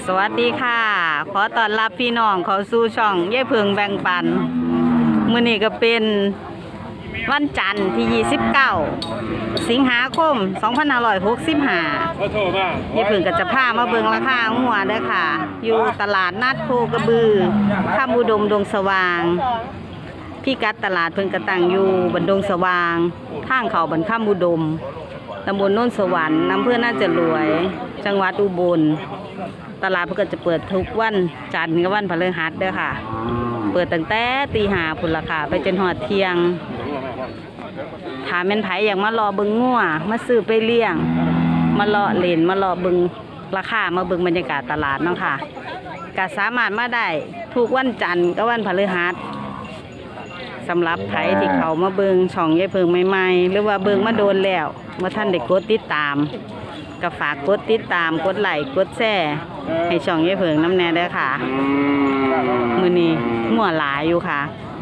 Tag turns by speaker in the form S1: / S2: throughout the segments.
S1: สวัสดีค่ะขอต้อนรับพี่น้องเข้าสู่ช่องยายเพิงแบ่งปันมื้อนี้ก็เป็นวันจันทร์ที่29สิงหาคม2565ยายเพิงก็จะพามาเบิ่งราคาหัวเด้อค่ะอยู่ตลาดนัดโคกระบือคำอุดมดงสว่างพี่กัดตลาดเพิ่งกระตั้งอยู่บันดงสว่างทางเขาบันคำอุดมตำบลโนนสวรรค์อำเภอน่าจะรวยจังหวัดอุบลตลาดเพิ่นก็จะเปิดทุกวันจันทร์กับวันพฤหัสเด้อค่ะเปิดตั้งแต่ตี 5พุ่นล่ะค่ะไปจนฮอดเที่ยงถ้าแม่นไผอยากมารอเบิ่งงัวมาซื้อไปเลี้ยงมารอเล่นมารอเบิ่งราคามาเบิ่งบรรยากาศตลาดเนาะค่ะก็สามารถมาได้ทุกวันจันทร์กับวันพฤหัสสำหรับไผที่เขามาเบิ่งช่องยายเพิงใหม่ๆหรือว่าเบิ่งมาโดนแล้วว่าท่านได้กดติดตามก็ฝากกดติดตามกดไลค์กดแชร์ให้ช่องยายเพิงน้ำแน่เด้อค่ะมื้อนี้งัวหลายอยู่ค่ะ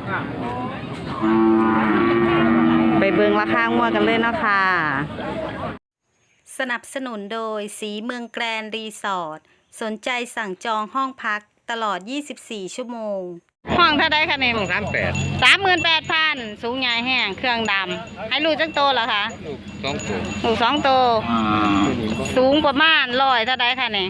S1: ไปเบิ่งราคางัวกันเลยเนาะค่ะสนับสนุนโดยสีเมืองแกรนด์รีสอร์ทสนใจสั่งจองห้องพักตลอด24ชั่วโมงห้องเท่าไดคะเนี่ย38,000สูงใหญ่แห้งเครื่องดำให้ลูกจักโตเหรอคะลูก2 โตสูงประมาณ100เท่าไดคะเนี่ย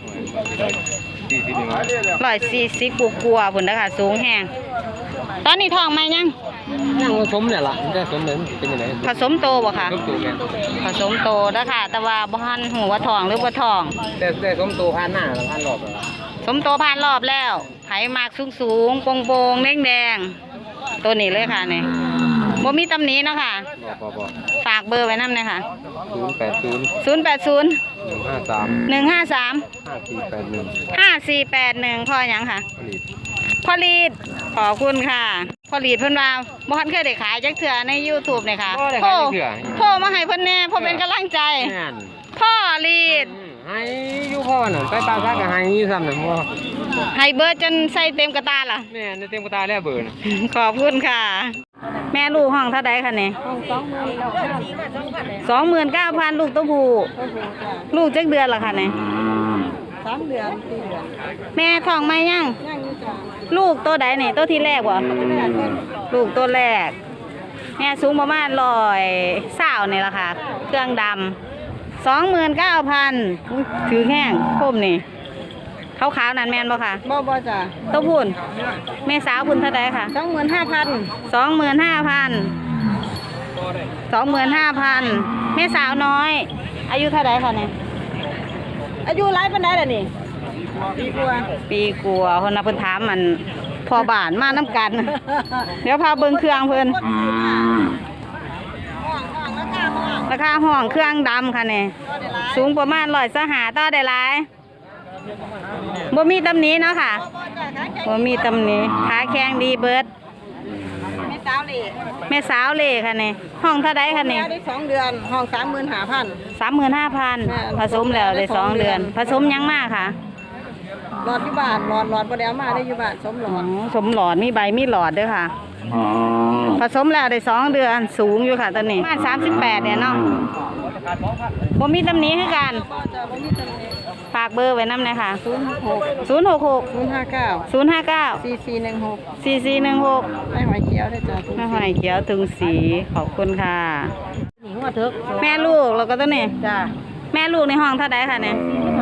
S1: 140กว่าพุ่นเด้อค่ะสูงแห้งตอนนี้ท้องไหมยัง
S2: ผสมเนี่ยล่ะมันจะผสมเหมือนเป็นยังไง
S1: ผสมโตบ่คะผสมโตแล้วค่ะแต่ว่าบ่ทันหูว่าท้องหรือบ่ท้อง
S2: แต่ผสมโตผ่านหน้าแล้วผ่านรอบแล้ว
S1: สมโตผ่านรอบแล้วไผมากสูงโปงแดงตัวนี้เลยค่ะนี่บ่มีตำหนิเนาะค่ะฝากเบอร์ไว้นำเลยค่ะ080 153 5481พ่อหยังค่ะพ่อลีดขอบคุณค่ะพ่อลีดเพิ่นว่าบ่ทันเคยได้ขายจักเทื่อใน YouTube นี่ค่ะโทรมาให้เพิ่นแน่เพิ่นเป็นกำลังใจพ่อลีด
S2: ให้อยู่พ่อน่ะไปตาซักก็ให้อยู่ซ้ำน่ะพ่อ
S1: ให้เบอร์จนใส่เต็มกระตาล่ะ
S2: แม่นเต็มกระตาแล้วเบอร์น่ะ
S1: ขอบคุณค่ะแม่ลูกห้องเท่าใดคะเนี่ย29,000ลูกตัวผู้ลูกจักเดือนล่ะค่ะเนี่ย
S3: 3 เดือน 4 เดือน
S1: แม่ท้องไหมยัง
S3: อยู่จ้ะ
S1: ลูกตัวใดนี่ตัวที่แรกบ่ลูกตัวแรกแม่สูงประมาณ120นี่ล่ะค่ะเครื่องดำ29,000ถือแห้งคมนี่ขาวๆนั่นแม่นบ่ค่ะ
S3: บ่จ้ะ
S1: ตัวพุ่นแม่สาวพุ่นเท่าใดค่ะ25,000แม่สาวน้อยอายุเท่าใดค่ะเนี่ย
S3: อายุหลายปานใดล่ะนี่
S1: ปีกว่าคนน่ะเพิ่นถามมันพอบ้านมาน้ำกันเดี๋ยวพาเบิ่งเครื่องเพิ่นราคาห้องเครื่องดำค่ะเนี่ยสูงประมาณ125ต่อได้หลายบ่มีตำหนิเนาะค่ะบ่มีตำหนิขาแข็งดีเบิด
S3: แม่สาว
S1: เล่ค่ะเนี่ยห้องเท่าใดค่ะเนี่ย
S3: ได้2 เดือนห้อง
S1: 35,000ผสมแล้วได้2 เดือนผสมยังมากค่ะ
S3: หลอดที่บ้านหลอดบ่ได้เอามาได้อยู่บ้านสมหลอด
S1: สมหลอดมีใบมีหลอดด้วยค่ะผสมแล้วได้2 เดือนสูงอยู่ค่ะตอนนี้ประมาณ38เนี่ยเนาะบ่มีตำหนิคือกันฝากเบอร์ไว้นำเลยค่ะ066 059 4416
S3: ไม่หอยเขียวได้จ้ะ
S1: แม่หอยเขียวถึงสีขอบคุณค่ะ
S3: นี่หัวเถิก
S1: แม่ลูกแล้วก็ตัวนี้
S3: จ้ะ
S1: แม่ลูกในห้องเท่าใดค่ะเนี่ย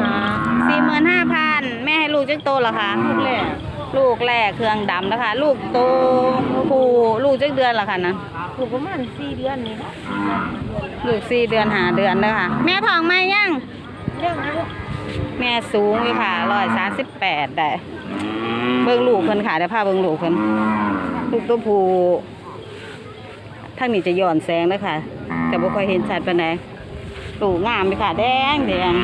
S1: 45,000แม่ให้ลูกจักโตเหรอคะลูกแรกเครื่องดำนะคะลูกโตผู้ลูกจักเดือนเหรอคะนะ
S3: ลูกประมาณ4 เดือนนี่นะ
S1: ลูก4 เดือน5 เดือนเลยค่ะแม่ท้องไหมยังแม่สูงอยู่ค่ะ138ได้เบิ่งลูกเพิ่นค่ะเดี๋ยวพาเบิ่งลูกเพิ่นลูกตัวผู้ทางนี้จะย้อนแสงนะคะแต่บ่ค่อยเห็นชัดปานใดลูกงามเลยค่ะแดง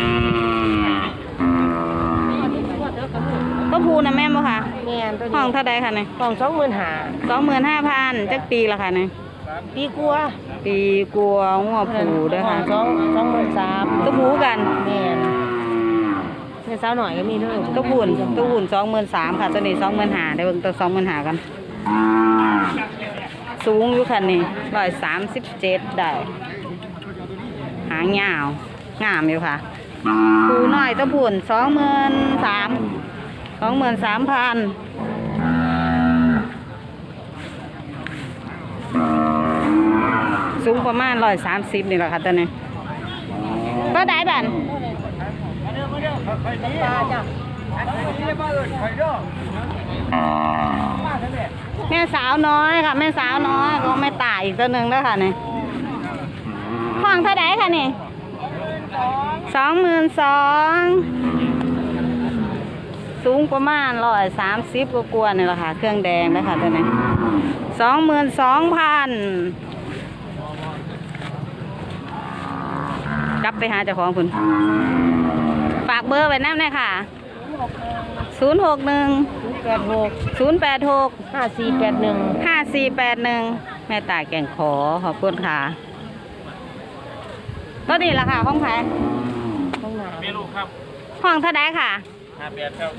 S1: ตัวผู้นะแม่บ่ค่ะ
S3: แม่น
S1: ห้องเท่าใดค่ะเนี่ย
S3: ห้อง
S1: 25,000จักปีละค่ะเนี่ย
S3: ปีกว่า
S1: งัวผู้เด้อค่ะ
S3: 23,000
S1: ตัวผู้กัน
S3: แม่นแม่สาวหน่อยก็มีเด้อ
S1: ตัวผู้23,000ค่ะตัวนี้25,000ได้เบิ่งตัว25,000กันสูงอยู่ค่ะนี่137ได้หางยาวงามอยู่ค่ะปูน้อยตะพุ่น23,000สูงประมาณ130นี่แหละค่ะตัวนี้ก็ได้บันแม่สาวน้อยค่ะแม่สาวน้อยก็แม่ตายอีกตัวหนึ่งแล้วค่ะนี่ห้องเท่าไหร่ค่ะนี่22,000สูงประมาณ130กว่าๆนี่แหละค่ะเครื่องแดงแล้วค่ะตัวนี้22,000กลับไปหาเจ้าของคุณฝากเบอร์ไว้น้ำหน่อยค่ะ061 5481 แม่ตายแก่งขอขอบคุณค่ะก็ดีละค่ะห้องไผ่
S2: มีลูกครับ
S1: ห้องเท่าไดค่ะ
S2: 58ครับ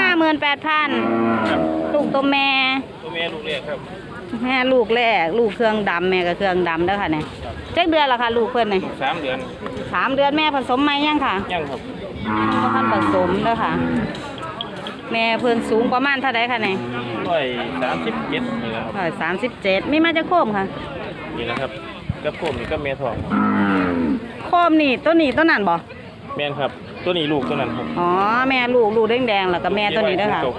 S1: 58,000ลูกตัวแม่
S2: ตัวเมียลูกเล็กครับ
S1: แม่ลูกแรกลูกเครื่องดำแม่ก็เครื่องดำเด้อค่ะเนี่ยเจ็ดเดือนละค่ะลูกเพิ่นนี่
S2: 3 เดือน
S1: 3 เดือนแม่ผสมไหมยังค่ะ
S2: ยังครับ
S1: บ่ทันผสมเด้อค่ะ แม่เพิ่นสูงประมาณเท่าไดค่ะเนี่ย
S2: 137นี่แหละครับ
S1: 137มีมาจากโคมค่ะ
S2: นี่แหละครับกับผมนี่ก็เมียทอง
S1: โคมนี่ตัวนี้ตัวนั้นบ่
S2: แม่นครับตัวนี้ลูกตัวนั้นครับ
S1: อ๋อแม่ลูกแดงๆแล้วก็แม่ตัวนี้เด้อค่ะ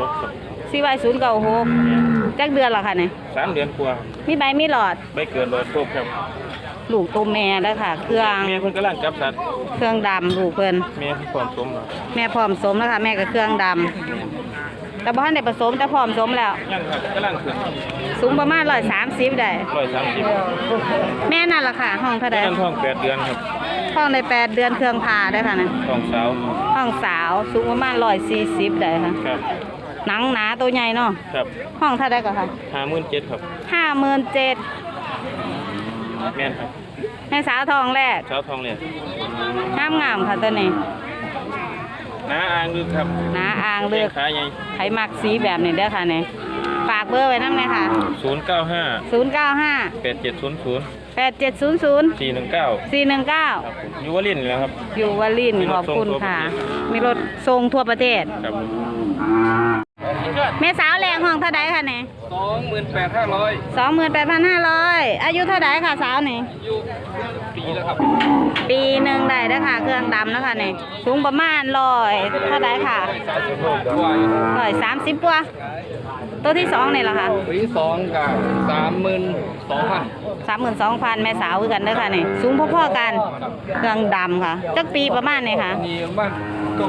S1: CY096จักเดือนละค่ะเนี่ย
S2: 3 เดือนกว่า
S1: มีใบมีหลอด
S2: ไม่เกิน100ครบครับ
S1: ลูกตัวแม่เด้อค่ะ เครื่อง
S2: เมียเพิ่นกำลังจับสัตว์
S1: เครื่องดำลูกเพิ่น
S2: เมียพร้อมสมแล้ว
S1: แม่พร้อมสมแล้วค่ะแม่ก็เครื่องดำแต่บ่ทันได้ผสมแต่พร้อมสมแล้ว
S2: ยังครับกำลังขึ้น
S1: สูงประมาณ130ได้
S2: 130
S1: แม่นั่นล่ะค่ะ ห้องเท่าใด
S2: นั่นท้อง8 เดือนครับ
S1: ห้องได้8 เดือนเครื่องพาได้อค่ะนะ
S2: ท้องสาว
S1: ห้องสาวสูงประมาณ140ได้ค่ะ
S2: ครับ
S1: หนังหนาตัวใหญ่เนาะ
S2: ครับ
S1: ห้องเท่าใดก็ค่ะ
S2: 57,000ครับ
S1: 57,000
S2: แม่นครับ
S1: แม่สาวทองแรก
S2: สาวทองเลย
S1: งามๆค่ะตัวนี้
S2: น้าอ่างลึกครับ
S1: หนาอ่างเลือก
S2: ขาใหญ่
S1: ไผมักสีแบบนี้เด้อค่ะนี่ฝากเบอร์ไว้นำเลยค่ะ
S2: 095
S1: 095
S2: 8700
S1: 8700
S2: 419
S1: 419
S2: ครับผมอยู่วลินทร์นี่แหละครับ
S1: อยู่วลินทร์ขอบคุณค่ะ มีรถส่งทั่วประเทศ
S2: ครับ
S1: แม่สาวแรงห้องเท่าไดค่ะเนี่ย
S2: 28,500
S1: 28,500 อายุเท่าไดค่ะสาวนี่
S2: อยู่ปีแล้วครับ
S1: ปีหนึ่งได้เด้อค่ะ เครื่องดำนะคะนี่สูงประมาณ100เท่าไดค่ะ
S2: 36กว่าอยู่
S1: 130กว่าตัวที่2นี่ล่ะค่ะ
S2: ปีที่2กับ32,000
S1: 32,000 แม่สาวคือกันเด้อค่ะนี่สูงพอๆกัน เครื่องดำค่ะจักปีประมาณนี่ค่ะ
S2: นี่บ้าน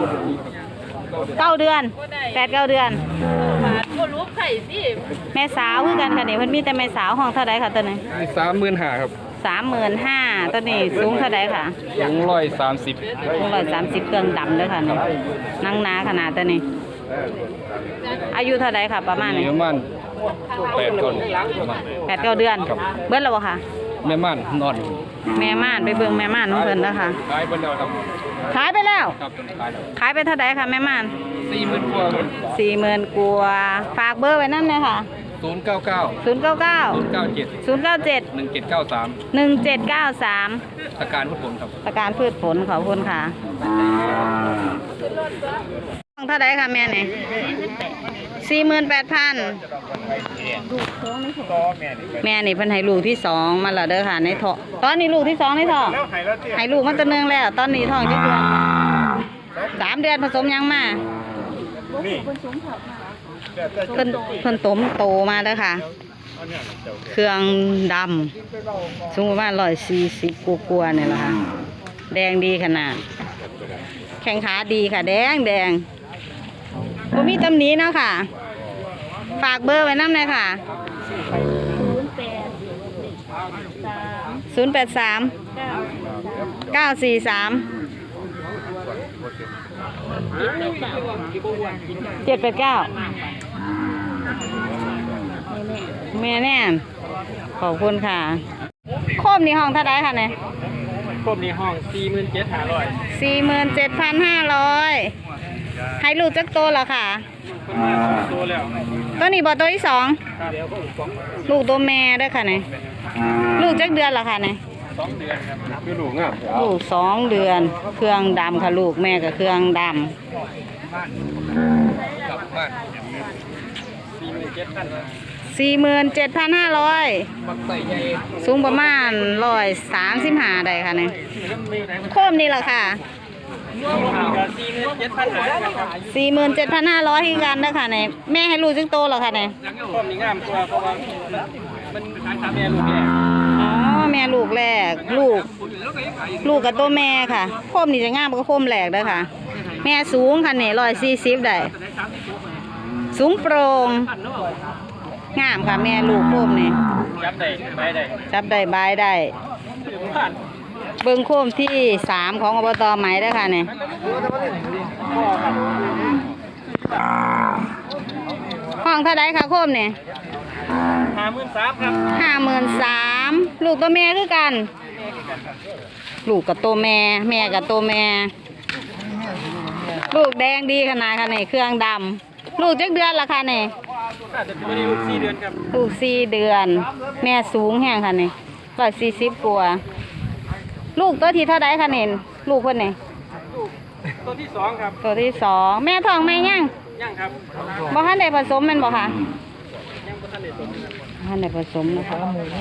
S1: 9 เดือน 8-9 เดือน แม่สาวคือกันค่ะนี่เพิ่นมีแต่แม่สาวห้องเท่าไดค่ะตัวนี้
S2: 35,000ครับ
S1: 35,000ตัวนี้สูงเท่าไดค่ะ
S2: สูง130
S1: สูง130เครื่องดำเด้อค่ะนี่นั่งหนาขนาดตัวนี้ อายุเท่าไดค่ะ ประมาณนี้
S2: ประมาณ8 คน
S1: 8-9 เดือน เบิดแล้วบ่ค่ะ
S2: แม่ม่านนอน
S1: แม่ม่านไปเบิ่งแม่ม่านของเพิ่นนะคะ
S2: ขายไปแล้วครับ
S1: ขายไปแล้ว
S2: ครับขายแล้ว
S1: ขายไปเท่าไดค่ะแม่ม่าน
S2: 40,000กว่า
S1: 40,000กว่าฝากเบอร์ไว้นำเลยค่ะ
S2: 099
S1: 099
S2: 097
S1: 097
S2: 1793
S1: 1793
S2: ตะการพุทธผลครับ
S1: ประกันพืชผลขอบคุณค่ะห้องเท่าไดค่ะแม่นี่48,000แม่นี่เพิ่นให้ลูกที่2มาแล้วเด้อค่ะในท้องตอนนี้ลูกที่2ในท้องให้ลูกมาตัวหนึงแล้ว ตอนนี้ท้องจักเดือน3 เดือนผสมยังมาเพิ่นโตมาเด้อค่ะ เครื่องดำสูงประมาณ140กว่าๆนี่แหละค่ะแดงดีขนาดแข้งขาดีค่ะ แดงบ่มีตำหนิเนาะค่ะ ฝากเบอร์ไว้นำเลยค่ะ083 943 789แม่แน่ขอบคุณค่ะโคมนี่ห้องเท่าไดค่ะเนี่ย
S2: ครบนี้ห้อง47,500
S1: 47,500ให้ลูกจักโตแล้วค่ะ
S2: คนมา2ตัวแล้ว
S1: ตัวนี้บ่ตัวที่2
S2: ครับ
S1: ลูกตัวแม่เด้วยค่ะเนี่ยลูกจักเดือนแล้วค่ะเนี่ย
S2: ปคือลูกงาม
S1: ลูก2 เดือน เครื่องดำค่ะลูกแม่กับเครื่องดำ 47,500สูงประมาณ135ได้ค่ะเนี่ยโคมนี่แหละค่ะ47,500ที่กันนะคะเนี่ยแม่ให้ลูกจึงโตเหรอคะเนี่ย
S2: พร้อมนี่งามกว่าเพราะว่ามันขาย3แม่ลูกแม่
S1: อ๋อแม่ลูกแรกลูกกับตัวแม่ค่ะโคมนี่จะงามกว่าโคมแรกเด้อค่ะ แม่สูงค่ะเนี่ย140ได้สูงโปร่งงามค่ะแม่ลูกโคมนี่
S2: จับได้ไปได้
S1: จับได้บายได้
S2: ผ่าน
S1: เบิ่งโคมที่3ของอบตไหมเด้อค่ะเนี่ยห้องเท่าไดค่ะโคมเนี่ย
S2: 53,000ครับ
S1: 53,000ลูกตัวแม่คือกัน ลูกกับตัวแม่แม่กับตัวแม่ ลูกแดงดีขนาดค่ะเนี่ยเครื่องดำลูกจักเดือนละค่ะเนี่ย
S2: น่าจะเป็นลูก4เดือนครับ
S1: ลูก4 เดือน แม่สูงแห้งค่ะเนี่ย140กว่าลูกตัวที่เท่าไดค่ะเนี่ยลูกคนเนี่ย
S2: ตัวที่2ครับ
S1: ตัวที่2แม่ท้องแม่ยัง
S2: ยังครับ
S1: บ่ทันได้ผสมแม่นบ่ค่ะ
S2: ยังบ่ทันได้ตัว
S1: ท่านได้ผสมนะคะ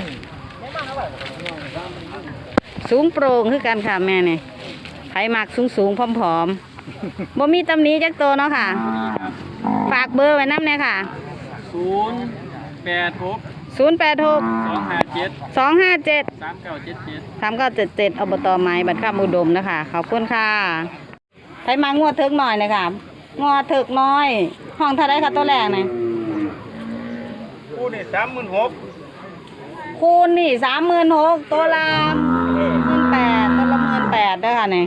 S1: สูงโปร่งคือกันค่ะแม่เนี่ยไผมักสูงผอมๆบ่มีตำหนิจักตัวเนาะค่ะ ฝากเบอร์ไว้นำแน่ค่ะ
S2: 086
S1: 086
S2: 257
S1: 257
S2: 3977
S1: อบตไม้บัดข้ามอุดมนะคะขอบคุณค่ะไผมางวดเถิกหน่อยนะคะงวดเถิกน้อย ห้องเท่าไรค่ะตัวแรกเนี่ย
S2: คู่นี่36,000
S1: คูณนี่36,000ตัวละ18,000ตัวละ18,000ด้วยค่ะเนี่ย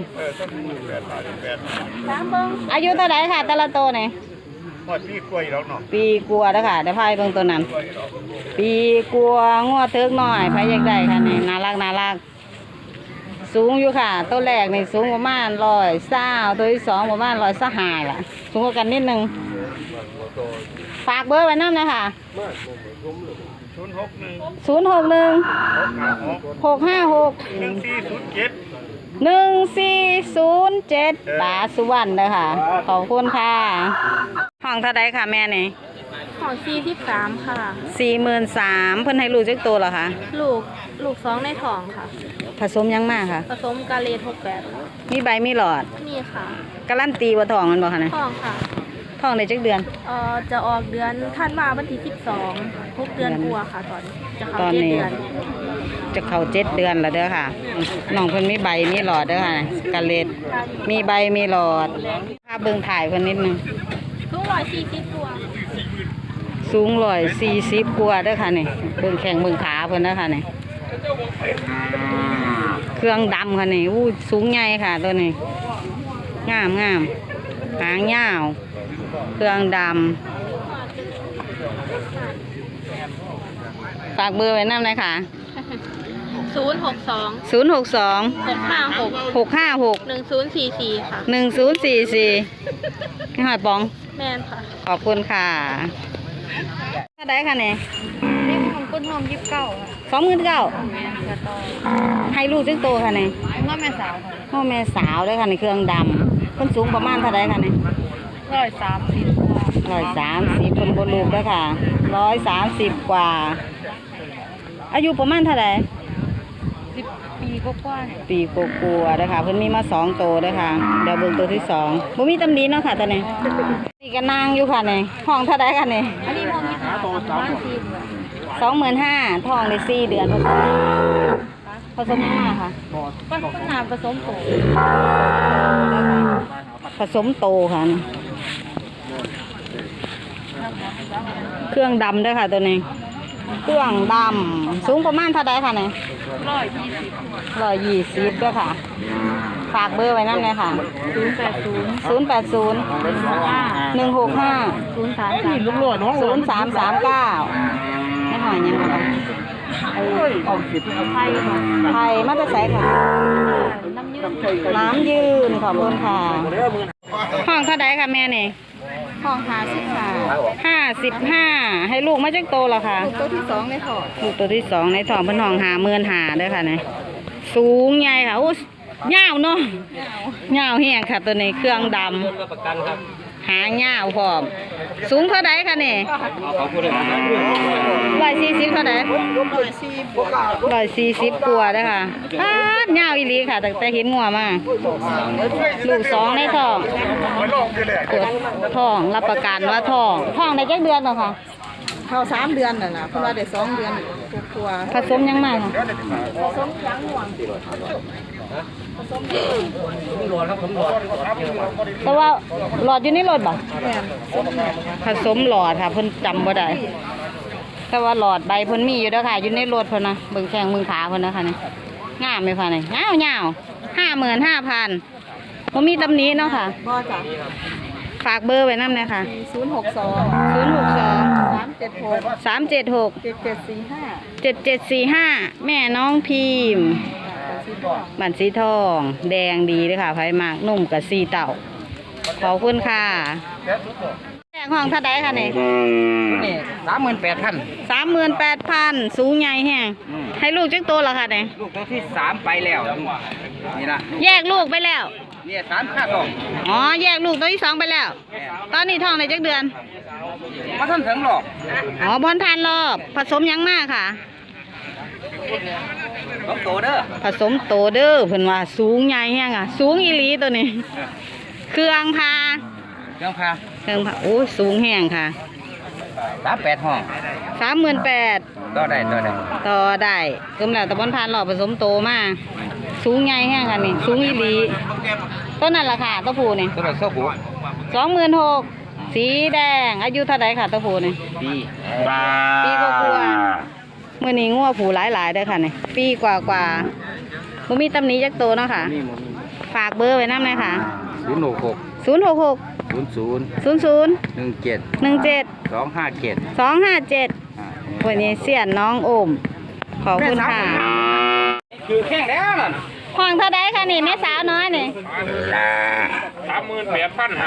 S1: อายุเท่าไหร่ค่ะแต่ละตัวเนี่ย
S2: หมดพี่กล้วยแล้วเนาะ
S1: ปีกลัวแล้วค่ะเดี๋ยวพายเบิ่งตัวนั้น ปีกลัวงวดเทิกหน่อยพายอยากได้ค่ะนี่น่ารักสูงอยู่ค่ะตัวแรกนี่สูงประมาณ120ตัวที่2ประมาณ125ล่ะสูงกว่ากันนิดนึงฝากเบอร์ไว้น้ำนะคะ061 656 1407ป๋าสุวรรณเลยค่ะขอบคุณค่ะห้องเท่าไดค่ะแม่นี่
S3: ของ43ค่ะ
S1: 43,000เพิ่นให้ลูกจักตัวเหรอคะ
S3: ลูก2ในท้องค่ะ
S1: ผสมยังมากค่ะ
S3: ผสมกาเลท68
S1: มีใบมีหลอด
S3: นี่ค่ะ
S1: การันตีว่าท้องมันบ่คะเนี่ย
S3: ท้องค่ะ
S1: ท้องได้จักเดือน
S3: จะออกเดือนธันวาวันที่12 6 เดือนกว่าค่ะตอนจะเข้า
S1: ตอน
S3: 7
S1: นี้
S3: เดือน
S1: จะเข้า7 เดือนแล้วเด้อค่ะน้องเพิ่นมีใบมีหลอดเด้อค่ะกะเล็ดมีใบมีหลอดภาพเบิ่งถ่ายเพิ่นนิดนึง
S3: สูง140ตัว
S1: สูง140กว่าเด้อค่ะนี่เบิ่งแข้งเบิ่งขาเพิ่นเด้อค่ะนี่เครื่องดำค่ะนี่อู้สูงใหญ่ค่ะตัวนี้งามหางยาวเครื่องดำฝากเบอร์ไว้นำเลยค่ะ
S3: 062
S1: 062
S3: 656
S1: 656
S3: 1044ค่ะ
S1: 1044นี่หอยปอง
S3: แม่นค่ะ
S1: ขอบคุณค่ะเท่าไดค่ะเนี่ย
S3: นี่ของคุณหอม29ค่ะ
S1: 29,000
S3: แม่นกระต่อ
S1: ให้ลูกจึงโตค่ะเนี่ย
S3: ง้อแม่สาวค่ะ
S1: พ่อแม่สาวด้วยค่ะในเครื่องดำเพิ่นสูงประมาณเท่าไดค่ะเนี่ย
S3: 130
S1: 130เพิ่นบ่ลูกด้วยค่ะ130กว่า อายุประมาณเท่าได
S3: 10 ปีกว่าๆ
S1: ปีกลัวๆนะคะเพิ่นมีมา2โตด้วยค่ะเดี๋ยวเบิ่งตัวที่2บ่มีตำหนิเนาะค่ะตอนนี้นี่ก็นางอยู่ค่ะนี่ห้องเท่าไดค่ะนี่
S3: อันนี้พอมีขาตัว
S1: 25,000ท้องได้4 เดือนผสมยังมาค่ะ
S3: ก็น้ำผสมโต
S1: ผสมโตค่ะนี่เครื่องดำด้วยค่ะตัวนี้เครื่องดำสูงประมาณเท่าไดค่ะนี่120ด้วยค่ะฝากเบอร์ไว้นั่นเลยค่ะ080 165 0339ไม่หอยยังไงไทยมาจะใส่ค่ะน้ำยืนขอบคุณค่ะห้องเท่าไดค่ะแม่นี่
S3: ห้อง
S1: 55ให้ลูกมาจักโตแล้วค่ะ
S3: ลูกตัวที่2ในท้อง
S1: ลูกตัวที่2ในท้องเพิ่นห้อง50,000เด้อค่ะนี่สูงใหญ่ค่ะโอ้ยาวเนาะยาวแห้งค่ะตัวนี้เครื่องด
S2: รับประกันครับ
S1: ำหางยาวพร้อมสูงเท่าใดคะนี่
S2: เขาพูดเลยครับ
S1: 140เท่าใด140กว่าเด้อค่ะปาดยาวอีหลีค่ะแต่เห็นงัวมาลูก2ในท้องตรวจท้องรับประกันว่าท้องได้จักเดือนแล้วค่ะ
S3: เข้า3 เดือนน่ะนะเพราะว่าได้2 เดือนกว่า
S1: ผสมยังไงค่ะ
S3: ผสมยังห่วง
S2: ผมรอครับผมรอ
S1: แต่ว่าหลอดอยู่ในรถบ่
S3: แม่น
S1: ผสมหลอดค่ะเพิ่นจำบ่ได้แต่ว่าหลอดใบเพิ่นมีอยู่เด้อค่ะอยู่ในรถเพิ่นนะเบิ่งแข้งเบิ่งขาเพิ่นนะคะนี่งามไหมคะนี่ยาว55,000บ่มีตำหนิเนาะค่ะ
S3: บ่จ้ะ
S1: ฝากเบอร์ไว้นำเลยค่ะ
S3: 062
S1: 062
S3: 376
S1: 376
S3: 7745
S1: 7745แม่น้องพิมพ์บันสีทองแดงดีเลยค่ะไผ่มากนุ่มกับสีเต่าขอบคุณค่ะแจ้งห้องเท่าไดค่ะนี่
S2: นี่38,000
S1: 38,000สูงใหญ่แฮงให้ลูกจักตัวละค่ะนี่
S2: ลูกตัวที่3ไปแล้วนี่นะ
S1: แยกลูกไปแล้ว
S2: นี่3ค่าทอง
S1: อ๋อแยกลูกตัวที่2ไปแล้ว ตอนนี้ท้องในจักเดือน
S2: มาท่านถึงหรอก
S1: อ๋อบอนทานรอบผสมยังมากค่ะ
S2: ต้องโตเด้อ
S1: ผสมโตเด้อเพิ่นว่าสูงใหญ่แฮงอ่ะสูงอีหลีตัวนี้ เครื่องพา
S2: เครื่องพา
S1: โอ้ยสูงแห้งค่ะ
S2: 38ห้อง
S1: 38,000
S2: ต่อได้
S1: ต่อได้กำลังตะบอนพานหล่อผสมโตมาสูงใหญ่แห้งค่ะนี่สูงอีหลีต้นนั่นราคาตัวผูนี่
S2: ตัวละ26,000
S1: 26,000สีแดงอายุเท่าไรค่ะตัวผูนี่
S2: ปี
S1: ปีกว่าๆเมื่อนี้งัวผูหลายๆเด้อค่ะนี่ปีกว่าบ่มีตำหนิจักโตเนาะค่ะ ฝากเบอร์ไว้นำเลยค่ะ
S2: 066
S1: 066
S2: 00
S1: 00
S2: 17
S1: 17
S2: 257
S1: 257วันนี้เสียนน้องโอมขอบคุณค่ะ
S2: คือแข้งแล้วนั่น
S1: ห้องเท่าไดค่ะนี่แม่สาวน้อยนี่
S4: 38,500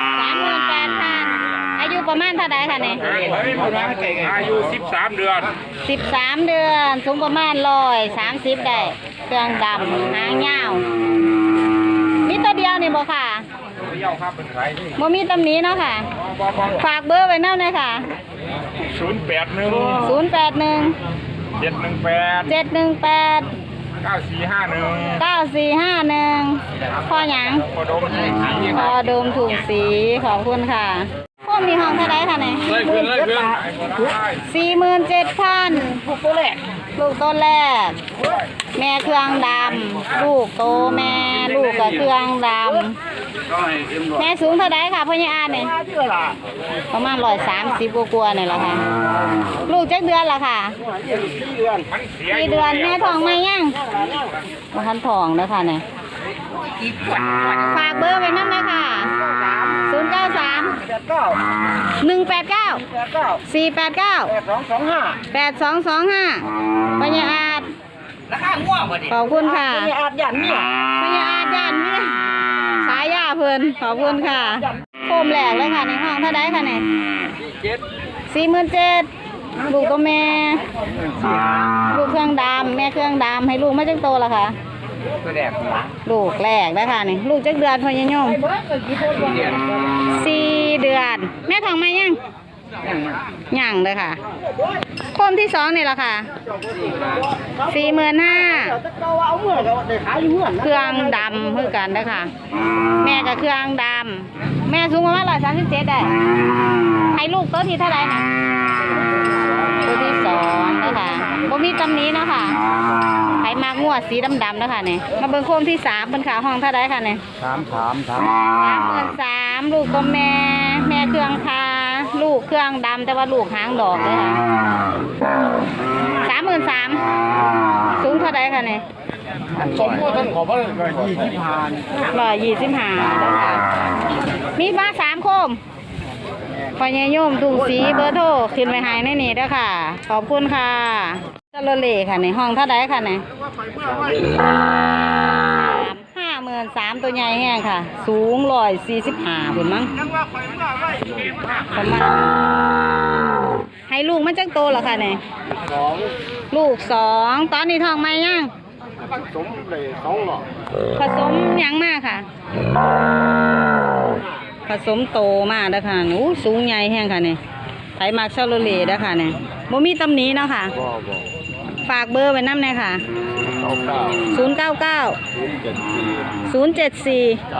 S1: 38,000อายุประมาณเท่าไดค่ะนี่
S4: อายุ13 เดือน
S1: 13 เดือนสูงประมาณ130ได้เครื่องดำหางยาวมีตัวเดียวนี่บ่ค่ะ
S4: เที่ยวครับเป็นใครนี่
S1: บ่มีตำหนิเนาะค่ะ ฝากเบอร์ไว้นำเลยค่ะ
S4: 081
S1: 081
S4: 718
S1: 718
S4: 9451
S1: 9451พ่อหยัง
S4: พอดมสี
S1: พอดมถุงสีขอบคุณค่ะพวกมีห้องเท่าไดค่ะนี่
S4: เลยขึ้น
S1: 47,000ลูกตัวแรกลูกตัวแรก แม่เครื่องดำลูกโตแม่ลูกกับเครื่องดำแม่สูงเท่าไดค่ะพ่อใหญ่อาเนี่ยประมาณ130กว่าๆนี่แหละค่ะ ลูกจักเดือนละค่ะ
S4: มันเสีย
S1: กี่เดือนแม่ท้องไหมยังบ่ทันท้องเด้อค่ะเนี่ยฝากเบอร์ไว้นำเลยค่ะ093 189 489 8225ปัญญาอาจ
S2: ราคาง่วงบ่ดิ
S1: ขอบคุณค่ะ
S3: อาจยันเนี่ย
S1: ปัญญาอาจยันเนี่ยสายยาเพิ่นขอบคุณค่ะโคมแหลกเลยค่ะในห้องเท่าไดค่ะเนี่ย47,000ลูกตัวแม่ ลูกเครื่องดำแม่เครื่องดำให้ลูกไม่จังโตละค่ะ
S2: ตัวแรก
S1: ลูกแรกนะคะนี่ลูกจักเดือนพอยยม4 เดือน แม่ท้องไหมยังยังเลยค่ะโคมที่2นี่ละค่ะ45,000เครื่องดำเพื่อกันนะคะแม่กับเครื่องดำแม่สูงประมาณ137ได้ให้ลูกตัวที่เท่าไหร่นะตัวที่2นะคะบ่มีตำหนี้นาะค่ะไผมากงวดสีดำๆนะคะเนี่ยมาเบิ่งโคมที่3เป็นขาห้องเท่าไหร่ค่ะเนี่ย33,000ลูกตัวแม่แม่เครื่องพาลูกเครื่องดำแต่ว่าลูกหางดอกเลยค่ะ33,000สูงเท่าไหร่ค่ะเนี่ย
S4: สมมติท่านขอว่า
S1: 125แล้วค่ะมีมา3โคมพญายมถุงสีเบอร์โทรขึ้นไปให้ในนี้ด้วยค่ะ ขอบคุณค่ะจระเล่ค่ะในห้องเท่าไดค่ะใน53,000ตัวใหญ่แห้งค่ะ สูง145พุ่นมั้งประมาณให้ลูกมันจักโตเหรอค่ะเนี่ยลูก2ตอนนี้ท้องไหมยัง
S4: สมเลย2หลอด
S1: ผสมหยังมากค่ะ ผสมโตมากเด้อค่ะอู้สูงใหญ่แห้งค่ะเนี่ยไถมักชาโลเลเด้อค่ะเนี่ยบ่มีตำหนิเนาะค่ะ
S4: บ่
S1: ฝากเบอร์ไว้นำหน่อยค่ะ 099 074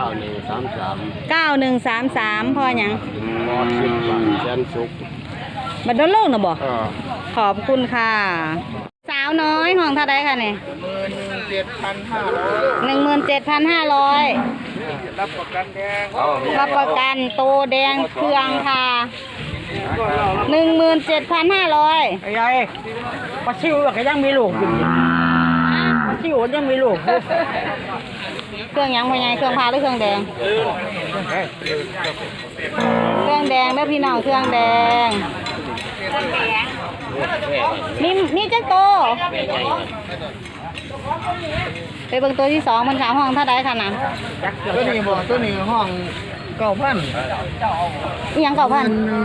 S1: 9133พอหยัง
S4: บ่คิดว่าแสนสุข
S1: บัดดอนโลกน่ะบ่ขอบคุณค่ะ สาวน้อยห้องเท่าใดค่ะเนี่ย
S4: 17,500
S1: 17,500
S4: รับประกันแดง
S1: รับประกันโตแดงเครื่องค่ะ17,500
S2: ไอ้ยัยปลาชิวก็ยังมีลูกอยู่ปลาชิวยังมีลูกอยู่
S1: เครื่องหยังพ่อใหญ่เครื่องพาหรือเครื่องแดง เครื่องแดงเด้อพี่น้องเครื่องแดงนี่จักโตไปเบิ่งตัวที่2มันขาห้องเท่าใดค่ะน่ะ
S2: ตัวนี้บ่ตัวนี้ห้อง9,000
S1: อีหยัง9,000
S2: 19,000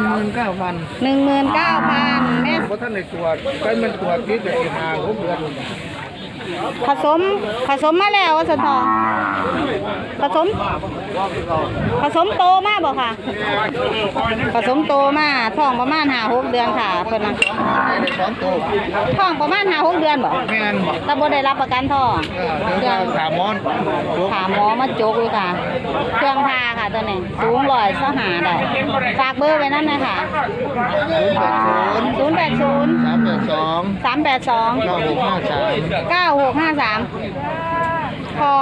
S1: 19,000แม่
S2: บ่ทันได้ตรวจไปมันตรวจที่จะอีก5-6เดือน
S1: ผสมมาแล้วว่าซั่นทองผสมโตมาบ่ค่ะ ผสมโตมาท้องประมาณ5-6เดือนค่ะเพิ่นน่ะ
S2: 2ตัว
S1: ท้องประมาณ5-6เดือนบ่
S2: แม่นบ่
S1: แต่บ่ได้รับประกันท้อง
S2: เดี๋ยวถามหมอน
S1: ถามหมอมาจกเลยค่ะ เครื่องพาค่ะตัวนี้สูง125ได้ฝากเบอร์ไว้นั่นนะคะ080
S2: 382
S1: 382 9653พอ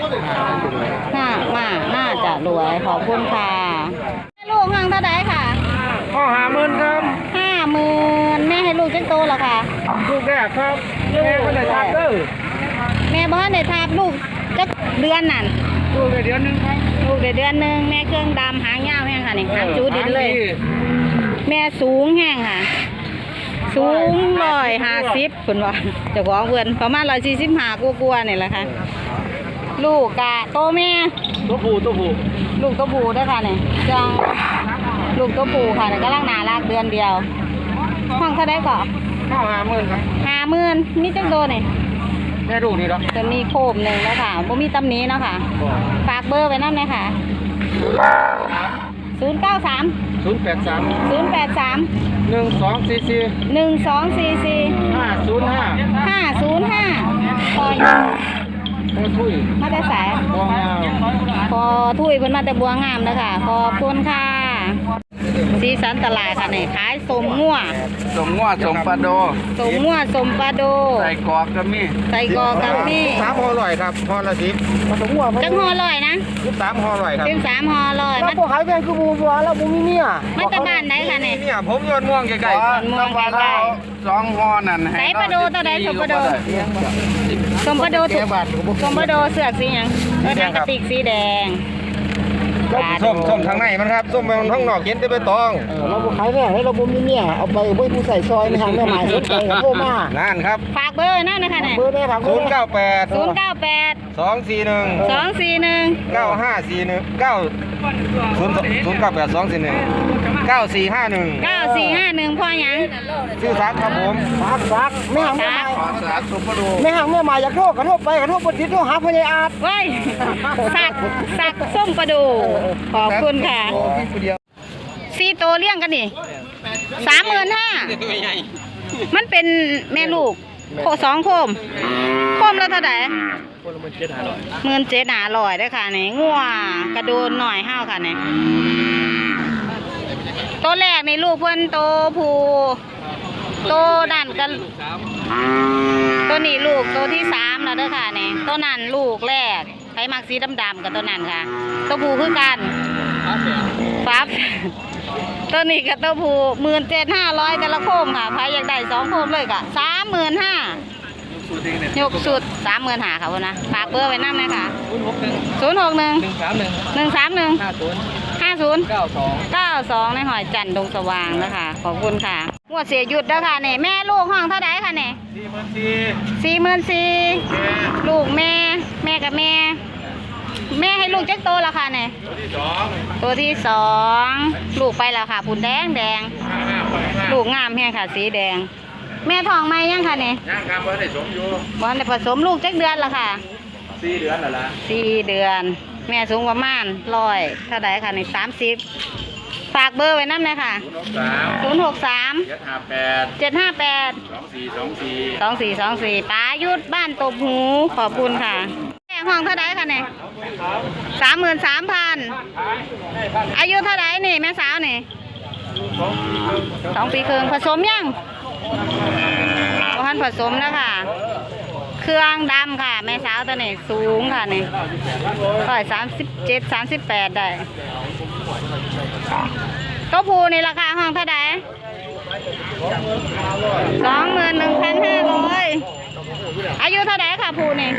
S1: น่าจะรวยขอบคุณค่ะลูกห้างเท่าไดค่ะ
S2: ข้อ50,000ครับ
S1: 50,000แม่ให้ลูกจังโตเหรอคะ
S2: ลูกแรกครับแม่ก็ได้ทับเด้อ
S1: แม่บ้านได้ทาบลูกจักเดือนนั่น
S2: ลูกได้เดือนนึงครับ
S1: ลูกได้เดือนหนึงแม่เครื่องดำหางยาวแห้งค่ะนี่หางจูดินเลย แม่สูงแห้งค่ะ สูง150คุณว่าเจ้าของเพื่อนประมาณ145กว่าๆนี่แหละค่ะ ลูกกะโตแม่
S2: ตัวผู้
S1: ลูกตัวผู้ด้วยค่ะเนี่ยจังลูกตัวผู้ค่ะเนี่ยกำลังน่ารักเดือนเดียวห้องเท่าไดก่อน
S2: ข้อ50,000ครับ
S1: 50,000มีจังโตนี่
S2: แม่ลูกนี่เนาะ
S1: จะมีโคมหนึ่งแล้วค่ะบ่มีตำหนี้เนาะค่ะ ฝากเบอร์ไว้นั่นเลยค่ะ 093
S2: 083
S1: 083
S2: 1244
S1: 1244
S2: 505
S1: 505พอ
S2: โอ้ทุย
S1: มาแต่สาย
S2: บ่งาม
S1: พอถุยเพิ่นมาแต่บัวงามนะคะขอบคุณค่ะสีสันตลาดค่ะนี่ขายสมงัว
S4: สมงัวสมปลาโด
S1: สมงัวสมปลาโด
S4: ใส่กรอกก็มี
S1: ใส่กรอกกับนี่
S2: 3ห่อร่อยครับห่อละ10ผสมหัว
S1: จังห่อลอยนะ
S2: 13ห่อร่อยครับ
S1: 13ห่อลอย
S2: แล้วพวกขายแพงคือบูบัวแล้วบูมีเนี่ย
S1: มาจากบ้านไหนคะเนี่ย
S2: เนี่ยผมยอดม่วงใกล้
S1: ม่วงใกล้
S4: 2ห่อนั่น
S1: ใส่ปลาโดตัวใดสมปลาโดสมปลาโดถูกสมปลาโดเสือกสีหยังแดงกระติกสีแดง
S2: ส้มทางในมันครับส้มทางนอกเย็นได้ไปตองเราขายแพงให้เราบูมีเนี่ยเอาไปไว้ผู้ใส่ซอยในทางแม่หมายสนใจกับโทรมานั่นครับ
S1: ฝากเบอร์นั่นนะคะเนี่ย
S2: เบอร์ได้ครับ
S1: 098
S2: 241
S1: 241
S2: 9541 098241 9451
S1: 9451พ่อหยัง
S2: ชื่อซักครับผมซักไม่หังแม่หมาย
S4: สาสมปลาโด
S2: ไม่หังแม่หมายอยากโทษกระโทษไปกระโทษปฏิโทษหาพญาอาจ
S1: เว้ยสักส้มประดูขอบคุณค่ะสี่ตัวเลี้ยงกันนี่35,000มันเป็นแม่ลูกโค2โคมแล้วเท่าไหร่17,500ได้อค่ะนี่งัวกระโดนหน่อยห้าวค่ะนี่ตัวแรกในลูกเพิ่นโตผู้โตนั่นกันตัวนี้ลูกตัวที่3แล้วเด้อค่ะนี่ตัวนั้นลูกแรกไผมักสีดำๆกับตัวนั้นค่ะตัวผู้คือกันฟับตัวนี้กับตัวผู้17,500แต่ละโคมค่ะไผอยากได้2โคมเลยก็35,000ยกสุด35,000ค่ะพุ่นนะฝากเบอร์ไว้นำเลยค่ะ061 131 50 92ในหอยจันทร์ดงสว่างนะคะขอบคุณค่ะงวดเสียหยุดแล้วค่ะนี่แม่ลูกห้องเท่าไดค่ะนี่44,000ลูกแม่กับแม่ให้ลูกจักโตแล้วค่ะนี่ตัวที่2ลูกไปแล้วค่ะผุนแดงลูกงามแห้งค่ะสีแดงแม่ท้องไหมยังค่ะนี่
S4: ย่างครับว่าได้สมอยู่
S1: บ่ทันได้ผสมลูกจักเดือนละค่ะ
S4: 4 เดือนแล้วล่ะ
S1: 4 เดือน แม่สูงประมาณ100เท่าใดค่ะนี่30ฝากเบอร์ไว้นำเลยค่ะ
S4: 063
S1: 063
S4: 758
S1: 758
S4: 2424
S1: 2424ป้ายุดบ้านตบหูขอบคุณค่ะแม่ห้องเท่าไดค่ะนี่33,000อายุเท่าไดนี่แม่สาวนี่2 ปีครึ่งผสมยังบ่ทันผสมแล้วค่ะ เครื่องดำค่ะ แม่สาวตัวนี้สูงค่ะนี่137-38ได้ตัวผู้นี่ราคาห้องเท่าได21,500อายุเท่าไดค่ะผู้นี่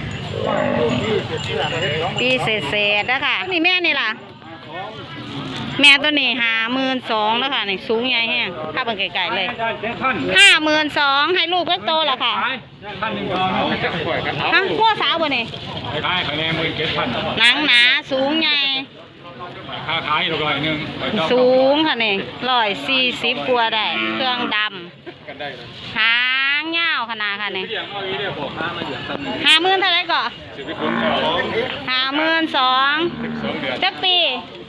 S1: ปีเศษๆนะคะนี่แม่นี่ล่ะ แม่ตัวนี้52,000แล้วค่ะนี่สูงใหญ่แห้งถ้าเป็นไก่ๆเลย52,000ให้ลูกเล็กโตแล้วค่ะฮะหัวสาวบ่นี่
S5: ขายคะแนน17,000
S1: หนังหนาสูงใหญ่
S5: ค่าขายอีก100นึง
S1: สูงค่ะนี่140กว่าได้เครื่องดำหางยาวขนาดค่ะนี่50,000เท่าไหร่ก่อ52,000จักปี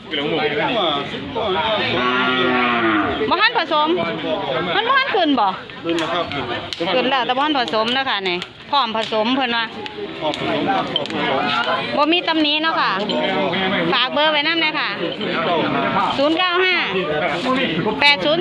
S1: บ่ทันผสมมันบ่ทันขึ้นบ่ขึ้นแล้วแต่บ่ทันผสมเนาะค่ะนี่พร้อมผสมเพิ่นว่าบ่มีตำหนิเนาะค่ะฝากเบอร์ไว้นำเลยค่ะ095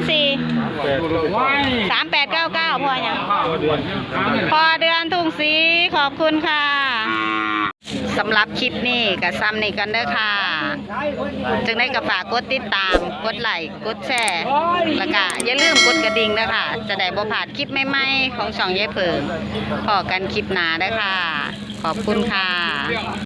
S1: 804 3899พอหยังพอเดือนทุ่งศรีขอบคุณค่ะสำหรับคลิปนี้กับซ้ำนี่กันเด้อค่ะจึงได้กับฝากกดติดตามกดไลค์กดแชร์แล้วก็อย่าลืมกดกระดิ่งเด้อค่ะจะได้บ่พลาดคลิปใหม่ๆของช่องยายเผิงพอกันคลิปหน้าเด้อค่ะขอบคุณค่ะ